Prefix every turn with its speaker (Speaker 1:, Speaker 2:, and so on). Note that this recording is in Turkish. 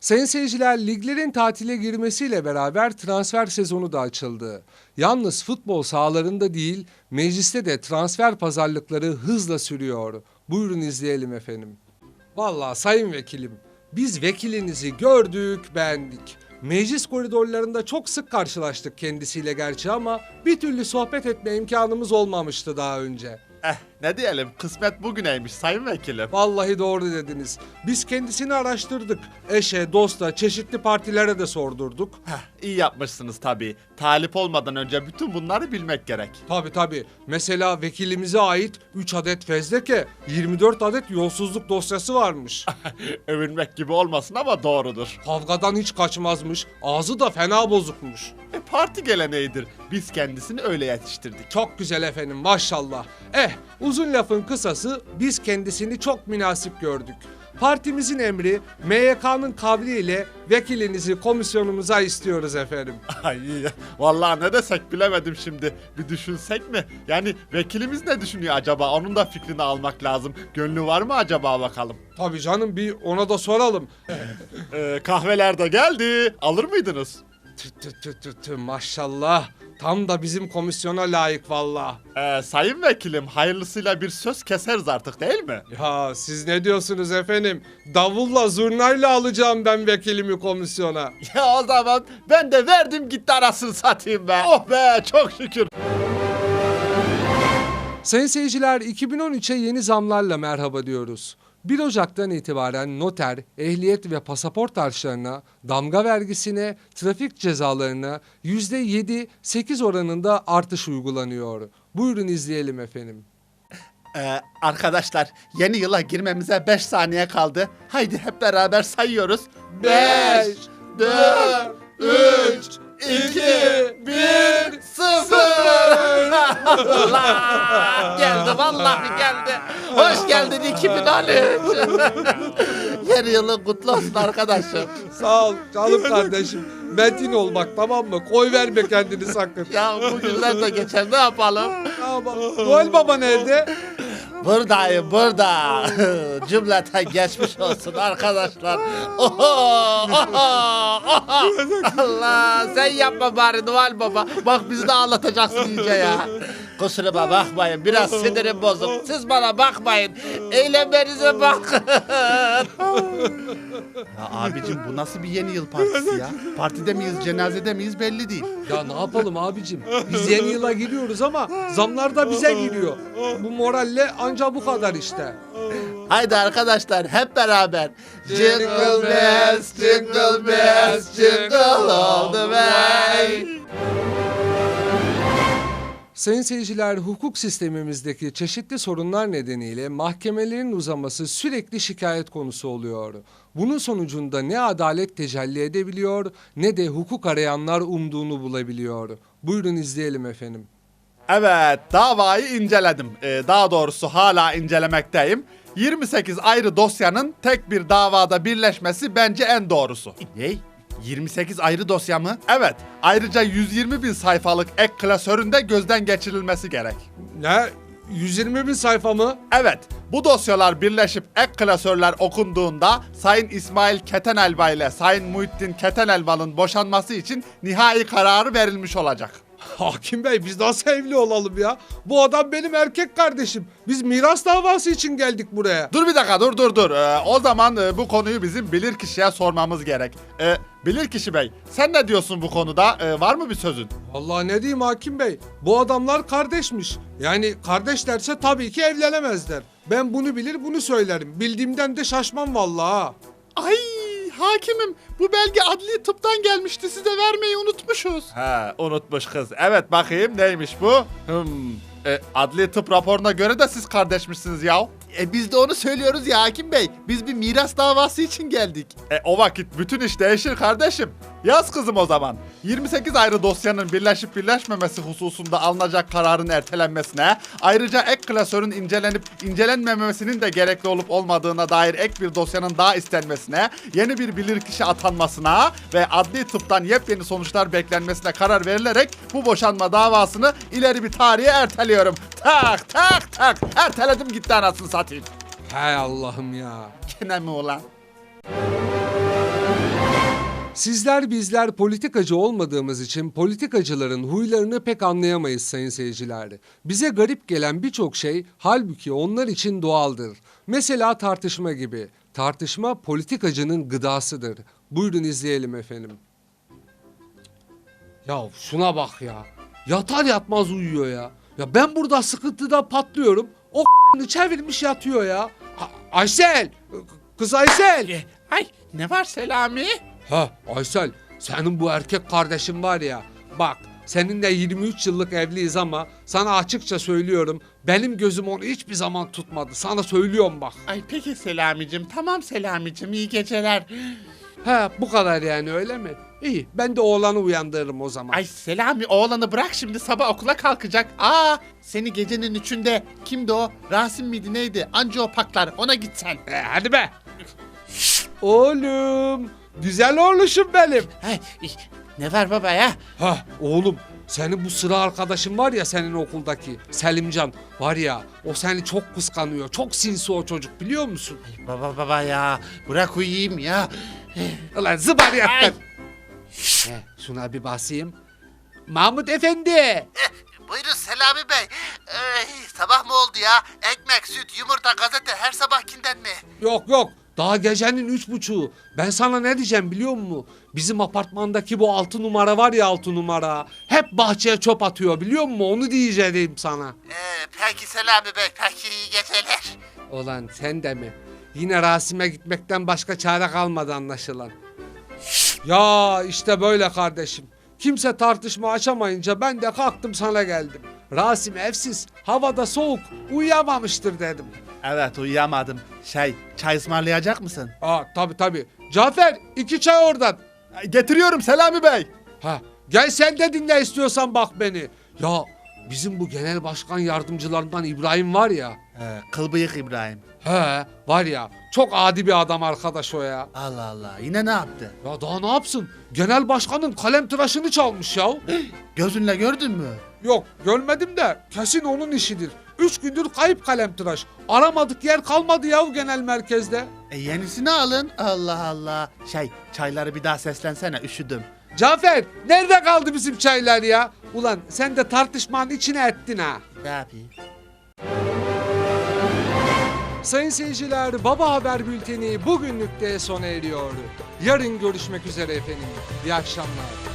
Speaker 1: Sayın seyirciler, liglerin tatile girmesiyle beraber transfer sezonu da açıldı. Yalnız futbol sahalarında değil, mecliste de transfer pazarlıkları hızla sürüyor. Buyurun izleyelim efendim. Vallahi sayın vekilim, biz vekilinizi gördük, beğendik. Meclis koridorlarında çok sık karşılaştık kendisiyle gerçi ama bir türlü sohbet etme imkanımız olmamıştı daha önce.
Speaker 2: Ne diyelim, kısmet bugüneymiş sayın vekilim.
Speaker 1: Vallahi doğru dediniz. Biz kendisini araştırdık. Eşe, dosta, çeşitli partilere de sordurduk.
Speaker 2: İyi yapmışsınız tabii. Talip olmadan önce bütün bunları bilmek gerek.
Speaker 1: Tabii. Mesela vekilimize ait 3 adet fezleke, 24 adet yolsuzluk dosyası varmış.
Speaker 2: Övünmek gibi olmasın ama doğrudur.
Speaker 1: Kavgadan hiç kaçmazmış. Ağzı da fena bozukmuş.
Speaker 2: Parti geleneğidir. Biz kendisini öyle yetiştirdik.
Speaker 1: Çok güzel efendim, maşallah. Uzun lafın kısası, biz kendisini çok münasip gördük. Partimizin emri, MYK'nın kavliyle vekilinizi komisyonumuza istiyoruz efendim.
Speaker 2: Ay, vallahi ne desek bilemedim şimdi. Bir düşünsek mi? Yani vekilimiz ne düşünüyor acaba? Onun da fikrini almak lazım. Gönlü var mı acaba bakalım?
Speaker 1: Tabii canım, bir ona da soralım.
Speaker 2: Kahveler de geldi. Alır mıydınız?
Speaker 1: Maşallah. Tam da bizim komisyona layık valla.
Speaker 2: Sayın vekilim, hayırlısıyla bir söz keseriz artık değil mi?
Speaker 1: Ya siz ne diyorsunuz efendim? Davulla zurnayla alacağım ben vekilimi komisyona.
Speaker 2: Ya o zaman ben de verdim gitti arasını satayım be. Oh be, çok şükür.
Speaker 1: Sayın seyirciler, 2013'e yeni zamlarla merhaba diyoruz. 1 Ocak'tan itibaren noter, ehliyet ve pasaport harçlarına, damga vergisine, trafik cezalarına %7-8 oranında artış uygulanıyor. Buyurun izleyelim efendim.
Speaker 2: Arkadaşlar, yeni yıla girmemize 5 saniye kaldı. Haydi hep beraber sayıyoruz.
Speaker 1: 5, 4, 3, 2, 1,
Speaker 2: 0. Allah! Geldi, vallahi geldi. Hoş geldin 2013. Yeni yılın kutlu olsun arkadaşım.
Speaker 1: Sağ ol canım kardeşim. Metin ol bak, tamam mı? Koy verme kendini sakın.
Speaker 2: Ya bu günler de geçer, ne yapalım?
Speaker 1: Tamam. Noel Baba nerede?
Speaker 2: Buradayım, burada. Cümleten geçmiş olsun arkadaşlar. Oho, oho, oho. Allah, sen yapma bari Noel Baba. Bak bizi de ağlatacaksın iyice ya. Kusuruma bakmayın, biraz sinirim bozuk. Siz bana bakmayın, eylemlerinize bakın. Ya abicim, bu nasıl bir yeni yıl partisi ya? Partide miyiz, cenazede miyiz belli değil.
Speaker 1: Ya ne yapalım abicim? Biz yeni yıla giriyoruz ama zamlar da bize giriyor. Bu moralle anca bu kadar işte.
Speaker 2: Haydi arkadaşlar hep beraber. Jingle bells, jingle bells, jingle all the way.
Speaker 1: Sayın seyirciler, hukuk sistemimizdeki çeşitli sorunlar nedeniyle mahkemelerin uzaması sürekli şikayet konusu oluyor. Bunun sonucunda ne adalet tecelli edebiliyor ne de hukuk arayanlar umduğunu bulabiliyor. Buyurun izleyelim efendim.
Speaker 2: Evet, davayı inceledim. Daha doğrusu hala incelemekteyim. 28 ayrı dosyanın tek bir davada birleşmesi bence en doğrusu. Ne? 28 ayrı dosya mı? Evet. Ayrıca 120 bin sayfalık ek klasörün de gözden geçirilmesi gerek.
Speaker 1: Ne? 120 bin sayfa mı?
Speaker 2: Evet. Bu dosyalar birleşip ek klasörler okunduğunda Sayın İsmail Ketenelva ile Sayın Muhittin Ketenelva'nın boşanması için nihai kararı verilmiş olacak.
Speaker 1: Hakim Bey, biz nasıl evli olalım ya? Bu adam benim erkek kardeşim. Biz miras davası için geldik buraya.
Speaker 2: Dur bir dakika, dur. O zaman bu konuyu bizim bilirkişiye sormamız gerek. Bilirkişi Bey, sen ne diyorsun bu konuda? Var mı bir sözün?
Speaker 1: Vallahi ne diyeyim Hakim Bey? Bu adamlar kardeşmiş. Yani kardeşlerse tabii ki evlenemezler. Ben bunu bilir bunu söylerim. Bildiğimden de şaşmam vallahi ha.
Speaker 2: Ay hakimim, bu belge adli tıptan gelmişti, size vermeyi unutmuşuz. He, unutmuş kız. Evet, bakayım neymiş bu? Adli tıp raporuna göre de siz kardeşmişsiniz ya. Biz de onu söylüyoruz ya hakim bey. Biz bir miras davası için geldik. O vakit bütün iş değişir kardeşim. Yaz kızım o zaman. 28 ayrı dosyanın birleşip birleşmemesi hususunda alınacak kararın ertelenmesine, ayrıca ek klasörün incelenip incelenmemesinin de gerekli olup olmadığına dair ek bir dosyanın daha istenmesine, yeni bir bilirkişi atanmasına ve adli tıptan yepyeni sonuçlar beklenmesine karar verilerek bu boşanma davasını ileri bir tarihe erteliyorum. Tak. Erteledim gitti anasını satayım.
Speaker 1: Hay Allah'ım ya.
Speaker 2: Gene mi ulan?
Speaker 1: Sizler bizler politikacı olmadığımız için politikacıların huylarını pek anlayamayız sayın seyirciler. Bize garip gelen birçok şey halbuki onlar için doğaldır. Mesela tartışma gibi. Tartışma politikacının gıdasıdır. Buyurun izleyelim efendim. Ya şuna bak ya. Yatar yatmaz uyuyor ya. Ya ben burada sıkıntıda patlıyorum. O çevirmiş yatıyor ya. Aysel! Kız Aysel!
Speaker 2: Ay ne var Selami?
Speaker 1: Ha Aysel, senin bu erkek kardeşin var ya, bak seninle 23 yıllık evliyiz ama sana açıkça söylüyorum, benim gözüm onu hiçbir zaman tutmadı. Sana söylüyorum bak.
Speaker 2: Ay peki Selamicim, tamam Selamicim, iyi geceler.
Speaker 1: He bu kadar yani, öyle mi? İyi, ben de oğlanı uyandırırım o zaman.
Speaker 2: Ay Selami, oğlanı bırak şimdi, sabah okula kalkacak. Seni gecenin 3'ünde kimdi o? Rasim miydi neydi? Anca o paklar, ona gitsen.
Speaker 1: Hadi be. Oğlum, güzel oğluşum benim.
Speaker 2: Ne var baba ya?
Speaker 1: Ha oğlum, senin bu sıra arkadaşın var ya, senin okuldaki Selimcan var ya, o seni çok kıskanıyor. Çok sinsi o çocuk, biliyor musun?
Speaker 2: Baba ya, bırak uyuyayım ya.
Speaker 1: Ulan zıbariyattan. Şuna bir basayım. Mahmut Efendi.
Speaker 3: Buyurun Selami Bey. Sabah mı oldu ya? Ekmek, süt, yumurta, gazete her sabahkinden mi?
Speaker 1: Yok daha gecenin 3.30'u. Ben sana ne diyeceğim biliyor musun? Bizim apartmandaki bu 6 numara var ya, 6 numara. Hep bahçeye çöp atıyor, biliyor musun? Onu diyeceğim sana.
Speaker 3: Peki Selami Bey, peki iyi geceler.
Speaker 1: Ulan sen de mi? Yine Rasim'e gitmekten başka çare kalmadı anlaşılan. Ya işte böyle kardeşim. Kimse tartışma açamayınca ben de kalktım sana geldim. Rasim evsiz, havada soğuk, uyuyamamıştır dedim.
Speaker 2: Evet, uyuyamadım. Çay ısmarlayacak mısın?
Speaker 1: Tabii. Cafer 2 çay oradan.
Speaker 2: Getiriyorum Selami Bey.
Speaker 1: Gel sen de dinle istiyorsan bak beni. Ya bizim bu genel başkan yardımcılarından İbrahim var ya.
Speaker 2: Kıl bıyık İbrahim.
Speaker 1: Var ya, çok adi bir adam arkadaş o ya.
Speaker 2: Allah Allah, yine ne yaptı?
Speaker 1: Ya daha ne yapsın? Genel başkanın kalem tıraşını çalmış ya.
Speaker 2: Gözünle gördün mü?
Speaker 1: Yok görmedim de kesin onun işidir. 3 gündür kayıp kalem tıraş. Aramadık yer kalmadı ya genel merkezde.
Speaker 2: Yenisini alın. Allah Allah. Çayları bir daha seslensene, üşüdüm.
Speaker 1: Cafer nerede kaldı bizim çaylar ya? Ulan sen de tartışmanın içine ettin ha.
Speaker 2: Ne yapayım?
Speaker 1: Sayın seyirciler, Baba Haber Bülteni bugünlük de sona eriyor. Yarın görüşmek üzere efendim. İyi akşamlar.